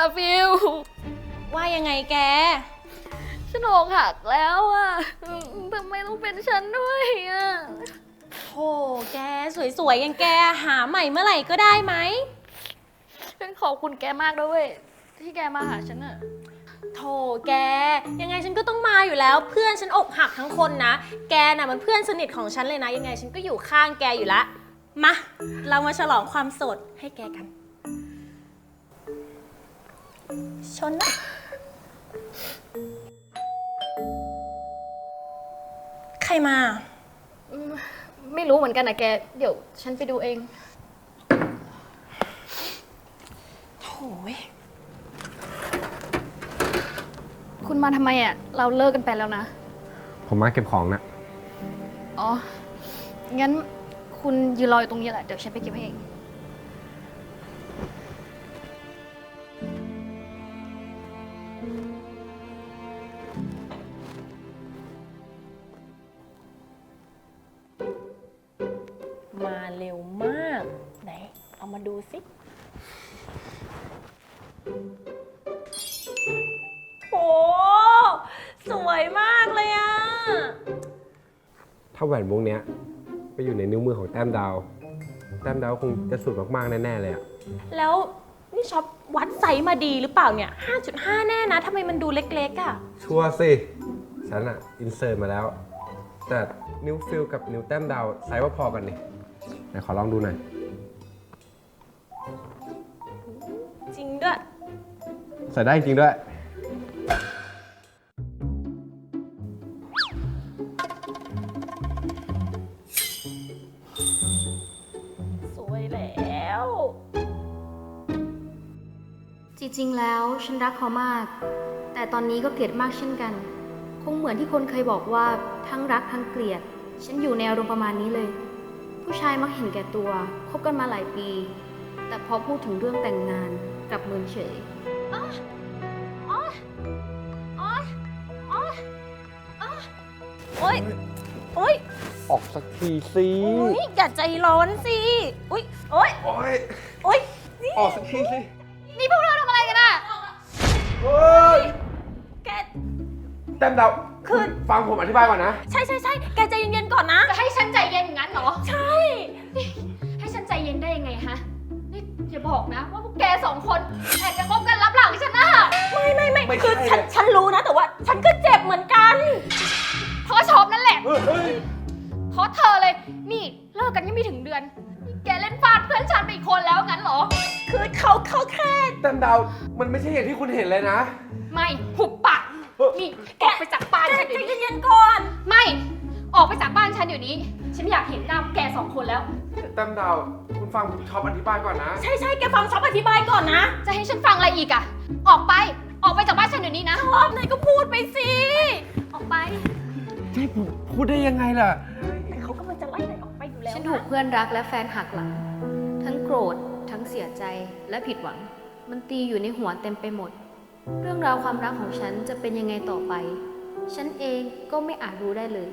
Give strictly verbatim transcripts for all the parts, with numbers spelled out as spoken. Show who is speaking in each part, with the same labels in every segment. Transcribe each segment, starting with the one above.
Speaker 1: ฟิล
Speaker 2: ว่ายังไงแก
Speaker 1: ฉันอกหักแล้วอะทำไมต้องเป็นฉันด้วยอะ
Speaker 2: โธ่แกสวยๆอย่างแกหาใหม่เมื่อไหร่ก็ได้ไหม
Speaker 1: ฉันขอบคุณแกมากด้วยที่แกมาหาฉันอะ
Speaker 2: โธ่แกยังไงฉันก็ต้องมาอยู่แล้วเพื่อนฉันอกหักทั้งคนนะแกน่ะมันเพื่อนสนิทของฉันเลยนะยังไงฉันก็อยู่ข้างแกอยู่ละมาเรามาฉลองความโสดให้แกกันชนนะใครมา
Speaker 1: ไม่รู้เหมือนกันนะแกเดี๋ยวฉันไปดูเอง
Speaker 2: โถ่
Speaker 1: คุณมาทำไมอ่ะเราเลิกกันไปแล้วนะ
Speaker 3: ผมมาเก็บของนะ
Speaker 1: อ๋องั้นคุณยืนรออยู่ตรงนี้แหละเดี๋ยวฉันไปเก็บให้เอง
Speaker 2: มาเร็วมากไหนเอามาดูสิโอ้สวยมากเลยอะ
Speaker 3: ถ้าแหวนวงเนี้ยไปอยู่ในนิ้วมือของแต้มดาวแต้มดาวคงจะสุดมากๆแน่ๆเลยอะ
Speaker 2: แล้วนี่ช็อปวัดไซส์มาดีหรือเปล่าเนี่ย ห้าจุดห้า แน่นะทำไมมันดูเล็กๆอะ
Speaker 3: ชัวร์สิฉันอะอินเสิร์ตมาแล้วแต่นิ้วฟิลกับนิ้วแต้มดาวไซส์ว่าพอกันนี่ไหนขอลองดูหน่อย
Speaker 2: จริงด้วย
Speaker 3: ใส่ได้จริงด้วย
Speaker 2: สวยแล้ว
Speaker 1: จริงๆแล้วฉันรักเขามากแต่ตอนนี้ก็เกลียดมากเช่นกันคงเหมือนที่คนเคยบอกว่าทั้งรักทั้งเกลียดฉันอยู่ในอารมณ์ประมาณนี้เลยผู้ชายมักเห็นแก่ตัวคบกันมาหลายปีแต่พอพูดถึงเรื่องแต่งงานกลับเมินเฉยอ๋ออ๋ออ๋ออ๋ออ๋อโอ๊ยโอ๊ย
Speaker 3: ออกสักทีสิ
Speaker 2: อุ๊ยอย่าใจร้อนสิอุ๊ยโอ๊ย
Speaker 3: โอ๊ย
Speaker 2: โอ๊ย
Speaker 3: ออกสักทีสิ
Speaker 1: นี่พวกเราทำอะไรกันอะ
Speaker 3: เฮ้ย
Speaker 2: แก
Speaker 3: แต้มดาวคือฟังผมอธิบายก่อนนะ
Speaker 2: ใช่ใช่ใช่แกใจเย็นๆก่อนนะ
Speaker 1: จะให้ฉันใจเย็นอย่างนั้นเหรอ
Speaker 2: ใช่
Speaker 1: ให้ฉันใจเย็นได้ยังไงฮะนี่อย่าบอกนะว่าพวกแกสองคนแอบจะคบกันลับหลังฉันนะ
Speaker 2: ไม่ไม่ไม่คือฉันฉันรู้นะแต่ว่าฉันก็เจ็บเหมือนกัน
Speaker 1: เพราะชอบนั่นแหละเพราะเธอเลยนี่เลิกกันยังไม่ถึงเดือนนี่แกเล่นฟาดเพื่อนฉันไปอีกคนแล้วงั้นเหรอ
Speaker 2: คือเขาเขาแค่
Speaker 3: แต้มดาวมันไม่ใช่อย่างที่คุณเห็นเลยนะ
Speaker 1: ไม่หุบปากนี่ออกไปจากบ้านฉันเดี๋ยวนี้
Speaker 2: ใจเย็นๆก่อน
Speaker 1: ไม่ออกไปจากบ้านฉันเดี๋ยวนี้ฉันไม่อยากเห็นหน้าแกสองคนแล้ว
Speaker 3: แต้มดาวคุณฟังช็อปอธิบายก่อนนะ
Speaker 2: ใช่ใช่แกฟังช็อปอธิบายก่อนนะ
Speaker 1: จะให้ฉันฟังอะไรอีกอะออกไปออกไปจากบ้านฉันเดี๋ยวนี้นะ
Speaker 2: ชอบไหนก็พูดไปสิ
Speaker 1: ออกไป
Speaker 3: จะให้ผมพูดได้ยังไงล่ะ
Speaker 2: แต่เขากำลังจะไล่ไหนออกไปอยู่แล้ว
Speaker 1: ฉันถูกเพื่อนรักและแฟนหักหลังทั้งโกรธทั้งเสียใจและผิดหวังมันตีอยู่ในหัวเต็มไปหมดเรื่องราวความรักของฉันจะเป็นยังไงต่อไปฉันเองก็ไม่อาจรู้ได้เลย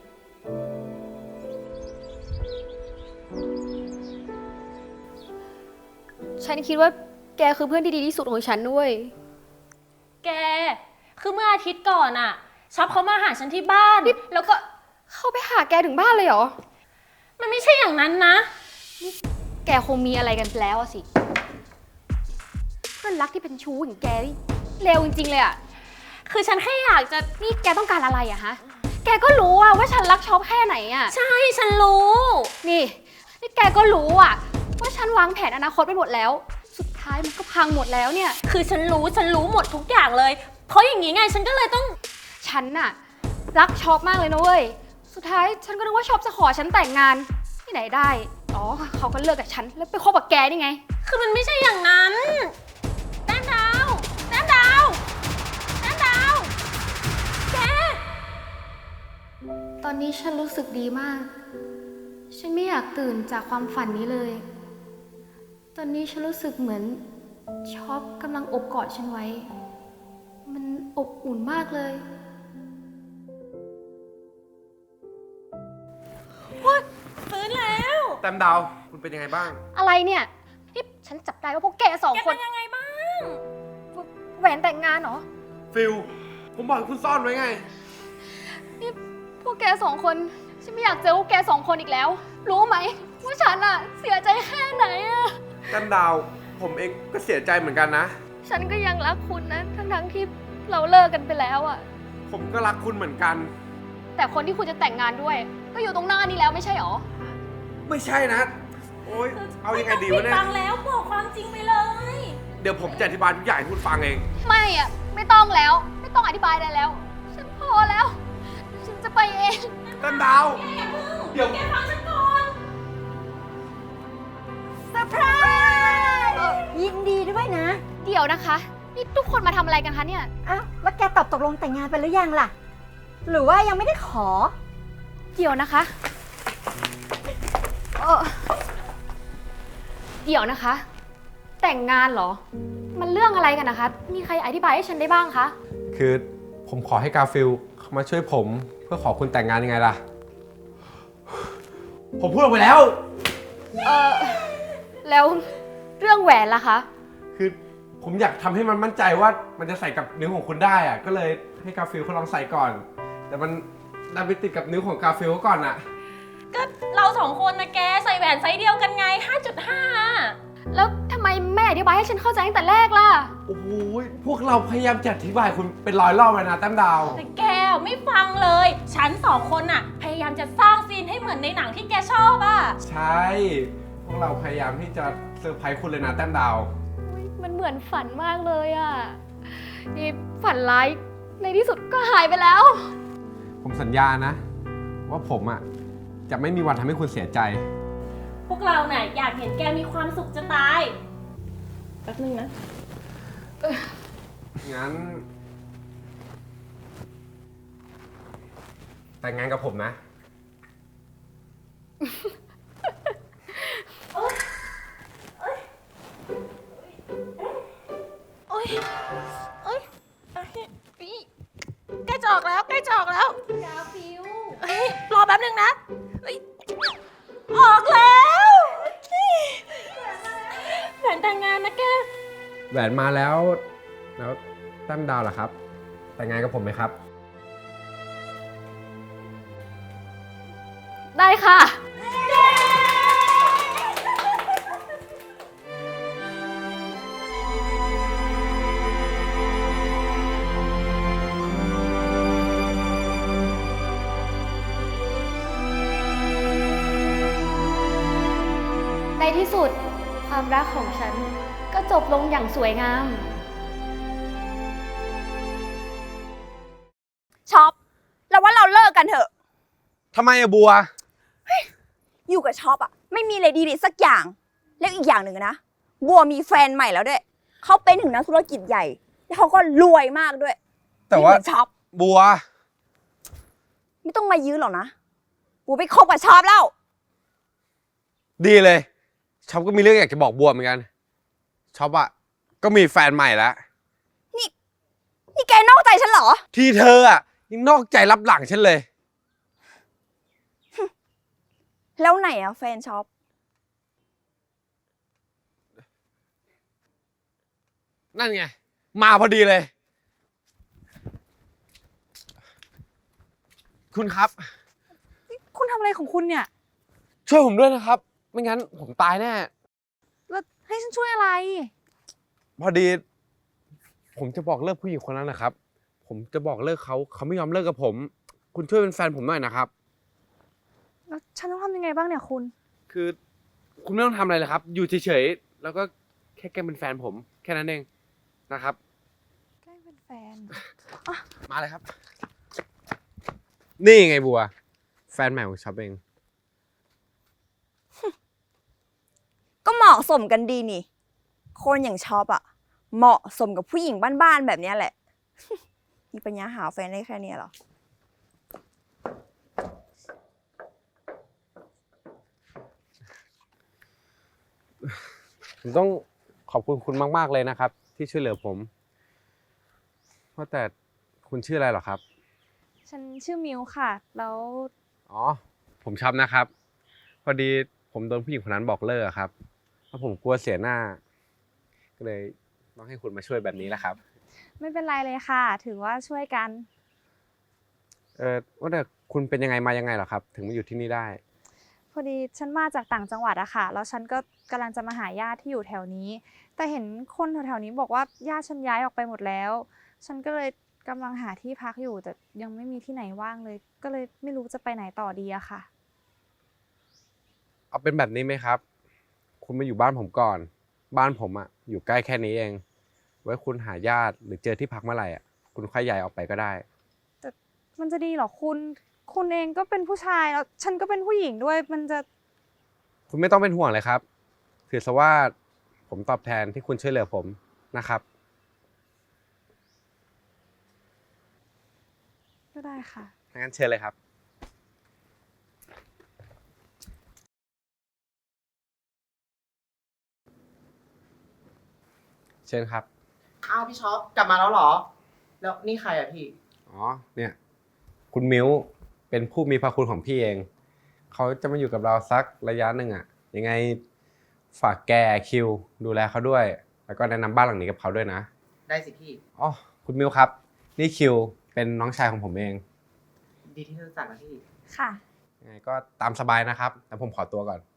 Speaker 1: ฉันคิดว่าแกคือเพื่อนที่ดีที่สุดของฉันด้วย
Speaker 2: แกคือเมื่ออาทิตย์ก่อนอะช็อปเขามาหาฉันที่บ้านแล้วก็
Speaker 1: เข้าไปหาแกถึงบ้านเลยเหรอ
Speaker 2: มันไม่ใช่อย่างนั้นนะ
Speaker 1: แกคงมีอะไรกันแล้วสิเพื่อนรักที่เป็นชู้อย่างแกนี่เลวจริงๆเลยอะ
Speaker 2: คือฉันแค่อยากจะ
Speaker 1: นี่แกต้องการอะไรอะฮะแกก็รู้อะว่าฉันรักช็อปแค่ไหนอะ
Speaker 2: ใช่ฉันรู้
Speaker 1: นี่นี่แกก็รู้อะว่าฉันวางแผนอนาคตไปหมดแล้วสุดท้ายมันก็พังหมดแล้วเนี่ย
Speaker 2: คือฉันรู้ฉันรู้หมดทุกอย่างเลยเพราะอย่างนี้ไงฉันก็เลยต้อง
Speaker 1: ฉันน่ะรักช็อปมากเลยนะเว้ยสุดท้ายฉันก็นึกว่าช็อปจะขอฉันแต่งงานที่ไหนได้อ๋อเขาก็เลิกกับฉันแล้วไปคบกับแกนี่ไง
Speaker 2: คือมันไม่ใช่อย่างนั้นแต้มดาวแต้มดาวแต้มดาวแก
Speaker 1: ตอนนี้ฉันรู้สึกดีมากฉันไม่อยากตื่นจากความฝันนี้เลยตอนนี้ฉันรู้สึกเหมือนช็อปกำลังอบกอดฉันไว้มันอบอุ่นมากเลย
Speaker 2: ว้าฟื้นแล้ว
Speaker 3: แต้มดาวคุณเป็นยังไงบ้าง
Speaker 1: อะไรเนี่ยที่ฉันจับได้ว่าพวกแกสองคน
Speaker 2: เป็นยังไงบ้าง
Speaker 1: แหวนแต่งงานเหรอ
Speaker 3: ฟิลผมบอกให้คุณซ่อนไว้ไง
Speaker 1: นี่พวกแกสองคนฉันไม่อยากเจอพวกแกสองคนอีกแล้ว รู้ไหมว่าฉันอะเสียใจแค่ไหนอะ
Speaker 3: แต้มดาวผมเองก็เสียใจเหมือนกันนะ
Speaker 1: ฉันก็ยังรักคุณนะทั้งๆที่เราเลิกกันไปแล้วอะ
Speaker 3: ผมก็รักคุณเหมือนกัน
Speaker 1: แต่คนที่คุณจะแต่งงานด้วย ก็อยู่ตรงหน้านี้แล้วไม่ใช่หรอ
Speaker 3: ไม่ใช่นะ โอ๊ย เอายังไงดีวะเนี่ย
Speaker 2: ฟังแล้วบอกความจริงไปเลย
Speaker 3: เดี๋ยวผมจะอธิบายทุกอย่างให้คุณฟังเอง
Speaker 1: ไม่อะไม่ต้องแล้ว ไม่ต้องอธิบายได้แล้ว ฉันพอแล้ว ฉันจะไปเอง
Speaker 3: แต้มดาว เดี๋ยว
Speaker 2: แกฟังฉันก่อน
Speaker 4: เซอร์ไพรส์ยินดีด้วยนะ
Speaker 1: เดี๋ยวนะคะ นี่ทุกคนมาทำอะไรกันคะเนี่ย
Speaker 4: อ้าวแล้วแกตอบตกลงแต่งงานไปหรือยังล่ะ หรือว่ายังไม่ได้ขอ
Speaker 1: เดี๋ยวนะคะเออเดี๋ยวนะคะ แต่งงานเหรอ มันเรื่องอะไรกันนะคะ มีใครอธิบายให้ฉันได้บ้างคะ
Speaker 3: คือผมขอให้กาฟิลเขามาช่วยผมเพื่อขอคุณแต่งงานยังไงล่ะ ผมพูดออกไปแล้ว
Speaker 1: เออแล้วเรื่องแหวนล่ะคะ
Speaker 3: คือผมอยากทำให้มันมั่นใจว่ามันจะใส่กับนิ้วของคุณได้อะก็เลยให้กาฟิลเขาลองใส่ก่อน แต่มันดันไปติดกับนิ้วของกาฟิลเขาก่อนอะ
Speaker 2: ก็เราสองคนนะแกใส่แหวนไซส์เดียวกันไง ห้าจุดห้า
Speaker 1: แล้วทำไมแม่อธิบายให้ฉันเข้าใจตั้งแต่แรกล่ะ
Speaker 3: โอ้โหพวกเราพยายามจะอธิบายคุณเป็นร้อยรอบเลยนะแต้มดาว
Speaker 2: แต่แกไม่ฟังเลย ฉันสองคนน่ะ พยายามจะสร้างซีนให้เหมือนในหนังที่แกชอบอะ
Speaker 3: ใช่ พวกเราพยายามที่จะเซอร์ไพรส์คุณเลยนะแต้มดาว
Speaker 1: อุ๊ยมันเหมือนฝันมากเลยอะนี่ฝันร้ายในที่สุดก็หายไปแล้ว
Speaker 3: ผมสัญญานะ ว่าผมอะจะไม่มีวันทำให้คุณเสียใจ
Speaker 2: พวกเราน่ะอยากเห็นแกมีความสุขจะตายแป๊บนึงนะ
Speaker 3: งั้น แต่งงานกับผมนะ
Speaker 2: โอ๊ยโอ๊ยใกล้จะออกแล้วใกล้จะออกแล้ว
Speaker 1: กาฟิว
Speaker 2: เฮ้ยรอแป๊บนึงนะเฮ้ยออกแล้วแผนแต่งงานนะแก
Speaker 3: แหวนมาแล้ว แล้วแต้มดาวล่ะครับ แต่งงานกับผมไหมครับ
Speaker 1: ได้ค่ะ ในที่สุดความรักของฉันก็จบลงอย่างสวยงาม
Speaker 4: ช็อปเราว่าเราเลิกกันเถอะ
Speaker 3: ทำไมอะบัว
Speaker 4: อยู่กับช็อปอะไม่มีอะไรดีเลยสักอย่าง แล้วอีกอย่างหนึ่งนะ บัวมีแฟนใหม่แล้วด้วย เขาเป็นถึงนักธุรกิจใหญ่ แล้วเขาก็รวยมากด้วย
Speaker 3: แต่ว่า
Speaker 4: ไม่เหมือนช็อป
Speaker 3: บัว
Speaker 4: ไม่ต้องมายื้อหรอกนะ บัวไปคบกับช็อปแล้ว
Speaker 3: ดีเลยช็อปก็มีเรื่องอยากจะบอกบัวเหมือนกันช็อปอะก็มีแฟนใหม่แล้ว
Speaker 4: นี่แกนอกใจฉันเหรอ
Speaker 3: ที่เธออะยังนอกใจรับหลังฉันเลย
Speaker 4: แล้วไหนอะแฟนช็อป
Speaker 3: นั่นไง มาพอดีเลย คุณครับ
Speaker 4: คุณทำอะไรของคุณเนี่ย
Speaker 3: ช่วยผมด้วยนะครับ ไม่งั้นผมตายแน่
Speaker 4: แล้วให้ฉันช่วยอะไร
Speaker 3: พอดี ผมจะบอกเลิกผู้หญิงคนนั้นนะครับ ผมจะบอกเลิกเขาเขาไม่ยอมเลิกกับผม คุณช่วยเป็นแฟนผมหน่อยนะครับ
Speaker 4: แล้วฉันต้องทำยังไงบ้างเนี่ยคุณ
Speaker 3: คือคุณไม่ต้องทำอะไรเลยครับ อยู่เฉยๆแล้วก็แค่แกล้งเป็นแฟนผมแค่นั้นเองนะครับ
Speaker 4: แกล้งเป็นแฟน
Speaker 3: มาเลยครับ นี่ไงบัว แฟนใหม่ของช็อปเอง
Speaker 4: ก็เหมาะสมกันดีนี่ คนอย่างช็อปอะเหมาะสมกับผู้หญิงบ้านๆแบบเนี้ยแหละ มีปัญญาหาแฟนได้แค่เนี้ยเหรอ
Speaker 3: ผมต้องขอบคุณคุณมากๆเลยนะครับ ที่ช่วยเหลือผมว่าแต่คุณชื่ออะไรเหรอครับ
Speaker 5: ฉันชื่อมิวค่ะ แล้ว
Speaker 3: อ๋อ ผมช็อปนะครับ พอดีผมโดนผู้หญิงคนนั้นบอกเลิกอะครับแล้วผมกลัวเสียหน้า ก็เลยต้องให้คุณมาช่วยแบบนี้แหละครับ
Speaker 5: ไม่เป็นไรเลยค่ะ ถือว่าช่วยกัน
Speaker 3: เออว่าแต่คุณเป็นยังไงมายังไงเหรอครับ ถึงมาอยู่ที่นี่ได้
Speaker 5: พอดีฉันมาจากต่างจังหวัดอะค่ะ แล้วฉันก็กำลังจะมาหาญาติที่อยู่แถวนี้ แต่เห็นคนแถวๆนี้บอกว่าญาติฉันย้ายออกไปหมดแล้ว ฉันก็เลยกำลังหาที่พักอยู่ แต่ยังไม่มีที่ไหนว่างเลย ก็เลยไม่รู้จะไปไหนต่อดีอะค่ะ
Speaker 3: เอาเป็นแบบนี้ไหมครับ คุณมาอยู่บ้านผมก่อน บ้านผมอะอยู่ใกล้แค่นี้เอง ไว้คุณหาญาติหรือเจอที่พักเมื่อไหร่อะคุณค่อยย้ายออกไปก็ได้
Speaker 5: แต่มันจะดีเหรอคุณ คุณเองก็เป็นผู้ชายแล้วฉันก็เป็นผู้หญิงด้วย มันจะ
Speaker 3: คุณไม่ต้องเป็นห่วงเลยครับ ถือซะว่าผมตอบแทนที่คุณช่วยเหลือผมนะครับ
Speaker 5: ก็ได้ค่ะ
Speaker 3: งั้นเชิญเลยครับ เชิญครับ
Speaker 6: อ้าวพี่ช็อปกลับมาแล้วเหรอ แล้วนี่ใครอะพี่
Speaker 3: อ๋อ เนี่ย คุณมิ้วเป็นผู้มีพระคุณของพี่เอง เขาจะมาอยู่กับเราสักระยะหนึ่งอะยังไงฝากแกคิวดูแลเขาด้วย แล้วก็แนะนำบ้านหลังนี้กับเขาด้วยนะ
Speaker 6: ได้สิพี่
Speaker 3: อ๋อ คุณมิ้วครับ นี่คิวเป็นน้องชายของผมเอง
Speaker 6: ดีที่รู้จักนะพี่
Speaker 5: ค่ะ
Speaker 3: ยังไงก็ตามสบายนะครับแต่ผมขอตัวก่อน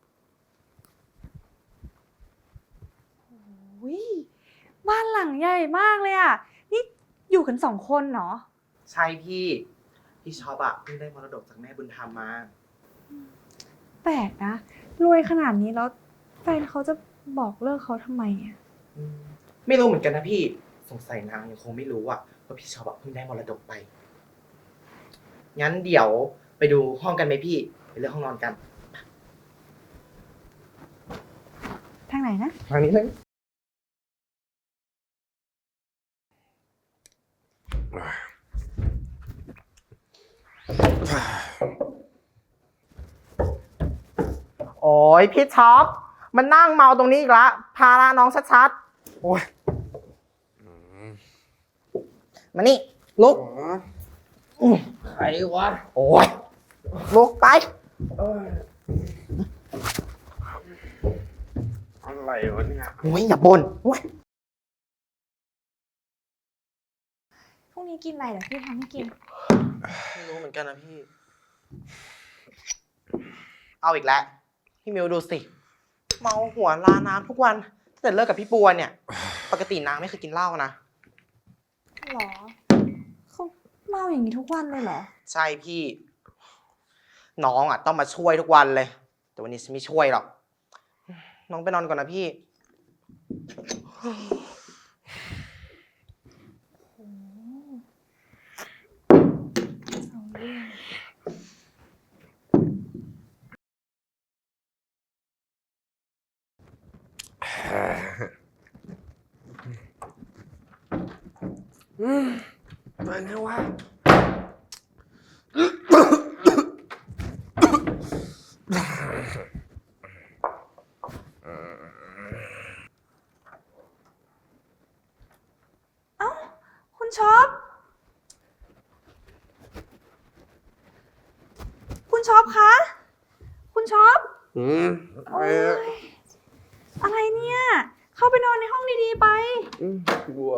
Speaker 5: วิบ้านหลังใหญ่มากเลยอ่ะ นี่อยู่กันสองคนเหรอ
Speaker 6: ใช่พี่ พี่ช็อปอะเพิ่งได้มรดกจากแม่บุญธรรมมา
Speaker 5: แปลกนะ รวยขนาดนี้แล้วแฟนเขาจะบอกเลิกเขาทำไมอ่ะ
Speaker 6: อืมไม่รู้เหมือนกันนะพี่ สงสัยนางยังคงไม่รู้อะว่าพี่ช็อปอะเพิ่งได้มรดกไป งั้นเดี๋ยวไปดูห้องกันไหมพี่ ไปเลือกห้องนอนกัน
Speaker 5: ทางไหนนะ
Speaker 6: ทางนี้เลย โอ้ยพี่ช็อปมันนั่งเมาตรงนี้อีกละพาละน้องชัดๆ โอ้ยมานี่ ลุกใครวะ โอ้ยลุกไป
Speaker 3: อะไรวะเนี่ย
Speaker 6: โอ้ยอย่าบ่นโอ้ย
Speaker 5: พรุ่งนี้กินอะไรเดี๋ยวพี่ทำให้กิน
Speaker 6: ไม่รู้เหมือนกันนะพี่ เอาอีกแล้ว พี่มิวดูสิ เมาหัวลาน้ำทุกวันตั้งแต่เลิกกับพี่ปัวเนี่ย ปกตินางไม่เคยกินเหล้านะ
Speaker 5: หรอ เขาเมาอย่างนี้ทุกวันเลยเหรอ
Speaker 6: ใช่พี่ น้องอ่ะต้องมาช่วยทุกวันเลย แต่วันนี้ฉันไม่ช่วยหรอก น้องไปนอนก่อนนะพี่
Speaker 5: เอาเรื่อง
Speaker 3: มาไงวะ
Speaker 5: คุณช็อป คุณช็อปคะ คุณช็อป
Speaker 3: อืม
Speaker 5: โอ๊ยอะไรเนี่ย เข้าไปนอนในห้องดีๆไป
Speaker 3: อืมกลัว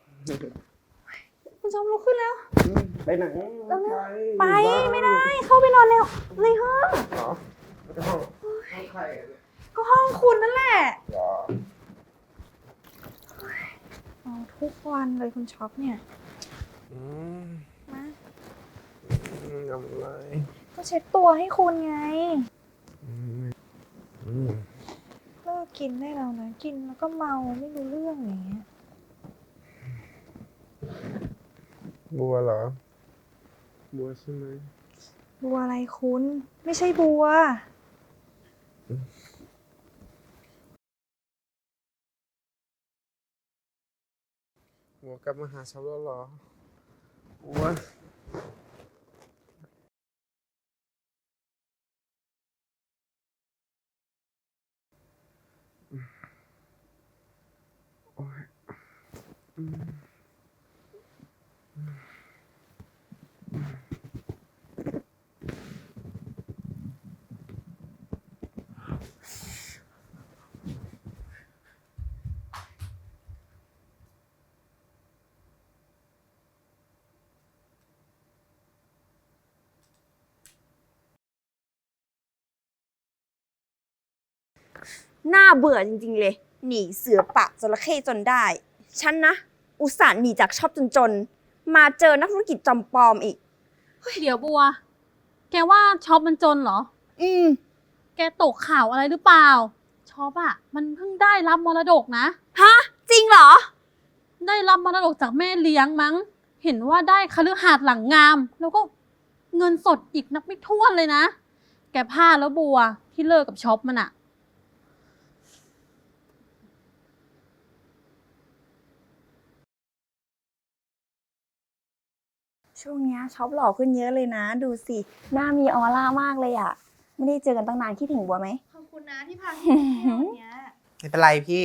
Speaker 5: คุณช็อปลุกขึ้นแล้ว
Speaker 3: ไปไหน
Speaker 5: ไปไม่ได้ เข้าไปนอนในในห้อง
Speaker 3: เหรอห้องห้องใครอะเนี่ย
Speaker 5: ก็ห้องคุณนั่นแหละ
Speaker 3: เหรอ
Speaker 5: เอาทุกวันเลยคุณช็อปเนี่ย
Speaker 3: อืม
Speaker 5: มา
Speaker 3: อืมทำอะไร
Speaker 5: ก็เช็ดตัวให้คุณไง
Speaker 3: อืมอืม
Speaker 5: เลิกกินได้แล้วนะ กินแล้วก็เมาไม่รู้เรื่องอย่างเงี้ย
Speaker 3: บัวเหรอ บัวใช่ไหม
Speaker 5: บัวอะไรคุณ ไม่ใช่บัว
Speaker 3: บัวกลับมาหาฉันแล้วเหรอบัวโอ้ยอืม
Speaker 4: น่าเบื่อจริงๆเลย หนีเสือปะจระเข้จนได้ ฉันนะ อุตส่าห์หนีจากชอบจนๆ มาเจอนักธุรกิจจอมปลอมอีก
Speaker 7: เดี๋ยวบัว แกว่าช็อปมันจนเหรอ
Speaker 4: อืม
Speaker 7: แกตกข่าวอะไรหรือเปล่า ช็อปอะมันเพิ่งได้รับมรดกนะ
Speaker 4: ฮะ จริงเหรอ
Speaker 7: ได้รับมรดกจากแม่เลี้ยงมั้ง เห็นว่าได้คฤหาสน์หลังงาม แล้วก็เงินสดอีกนับไม่ถ้วนเลยนะ แกพลาดแล้วบัวที่เลิกกับช็อปมันอะ
Speaker 4: ช่วงเนี้ยช็อปหล่อขึ้นเยอะเลยนะ ดูสิ หน้ามีออร่ามากเลยอะไม่ได้เจอกันตั้งนานคิดถึงบัวไหม
Speaker 5: ขอบคุณนะที่พาพี่ไปเที่ยววันเนี้ย
Speaker 6: ไม่เป็นไรพี่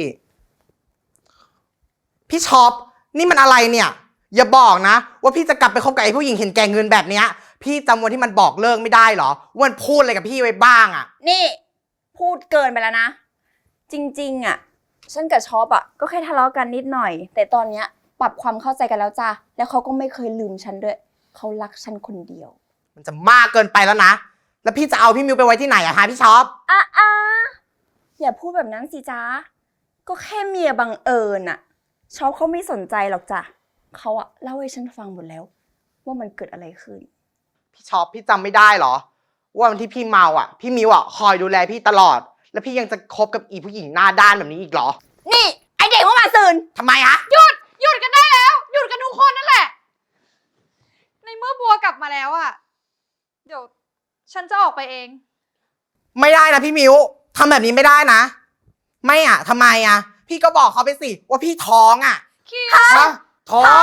Speaker 6: พี่ช็อป นี่มันอะไรเนี่ย อย่าบอกนะ ว่าพี่จะกลับไปคบกับไอ้ผู้หญิงเห็นแก่เงินแบบเนี้ย พี่จำวันที่มันบอกเลิกไม่ได้เหรอว่ามันพูดอะไรกับพี่ไว้บ้างอะ
Speaker 4: นี่ พูดเกินไปแล้วนะ จริงๆอะฉันกับช็อปอะก็แค่ทะเลาะกันนิดหน่อย แต่ตอนเนี้ยปรับความเข้าใจกันแล้วจ้ะแล้วเขาก็ไม่เคยลืมฉันด้วยเขารักฉันคนเดียว
Speaker 6: มันจะมากเกินไปแล้วนะ แล้วพี่จะเอาพี่มิวไปไว้ที่ไหนอะฮะพี่ช็อป
Speaker 4: อ่ะอ่ะอย่าพูดแบบนั้นสิจ้าก็แค่เมียบังเอิญอะช็อปเขาไม่สนใจหรอกจ้ะเขาอะเล่าให้ฉันฟังหมดแล้ว ว่ามันเกิดอะไรขึ้น
Speaker 6: พี่ช็อปพี่จำไม่ได้เหรอ ว่าวันที่พี่เมาอ่ะ พี่มิวอ่ะคอยดูแลพี่ตลอด แล้วพี่ยังจะคบกับอีผู้หญิงหน้าด้านแบบนี้อีกเหรอ
Speaker 4: นี่ ไอเด็กว่ามาซืน
Speaker 6: ทำไมฮะ
Speaker 5: หยุดกันได้แล้ว หยุดกันทุกคนนั่นแหละ ในเมื่อบัวกลับมาแล้วอะเดี๋ยวฉันจะออกไปเอง
Speaker 6: ไม่ได้นะพี่มิวทำแบบนี้ไม่ได้นะ ไม่อ่ะทำไมอ่ะ พี่ก็บอกเขาไปสิว่าพี่ท้องอ่ะ
Speaker 5: คิว
Speaker 6: ฮะท้อง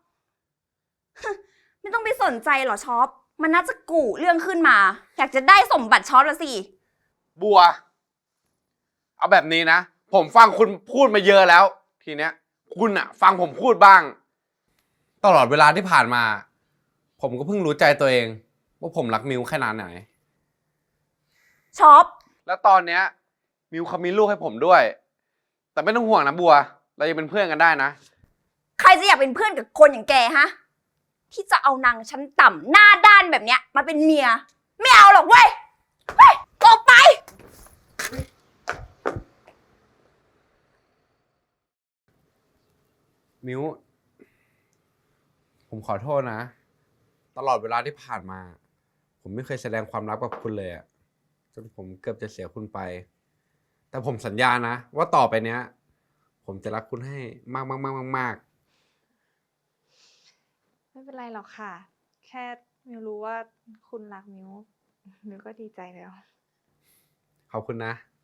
Speaker 4: ไม่ต้องไปสนใจหรอช็อปมันน่าจะกู่เรื่องขึ้นมา อยากจะได้สมบัติช็อปละสิ
Speaker 3: บัว เอาแบบนี้นะ ผมฟังคุณพูดมาเยอะแล้ว ทีเนี้ย คุณอะฟังผมพูดบ้าง ตลอดเวลาที่ผ่านมา ผมก็เพิ่งรู้ใจตัวเอง ว่าผมรักมิวแค่นานไหน
Speaker 4: ช็อป
Speaker 3: แล้วตอนเนี้ย มิวเขามีลูกให้ผมด้วย แต่ไม่ต้องห่วงนะบัว เรายังเป็นเพื่อนกันได้นะ
Speaker 4: ใครจะอยากเป็นเพื่อนกับคนอย่างแกฮะ ที่จะเอานางชั้นต่ำหน้าด้านแบบเนี้ยมาเป็นเมีย ไม่เอาหรอกเว้ยเฮ้ยออกไป
Speaker 3: มิวผมขอโทษนะ ตลอดเวลาที่ผ่านมา ผมไม่เคยแสดงความรักกับคุณเลยอะจนผมเกือบจะเสียคุณไป แต่ผมสัญญานะ ว่าต่อไปเนี้ย ผมจะรักคุณให้มากมากมากมากมาก
Speaker 5: ไม่เป็นไรหรอกค่ะ แค่มิวรู้ว่าคุณรักมิวมิวก็ดีใจแล้ว
Speaker 3: ขอบคุณนะ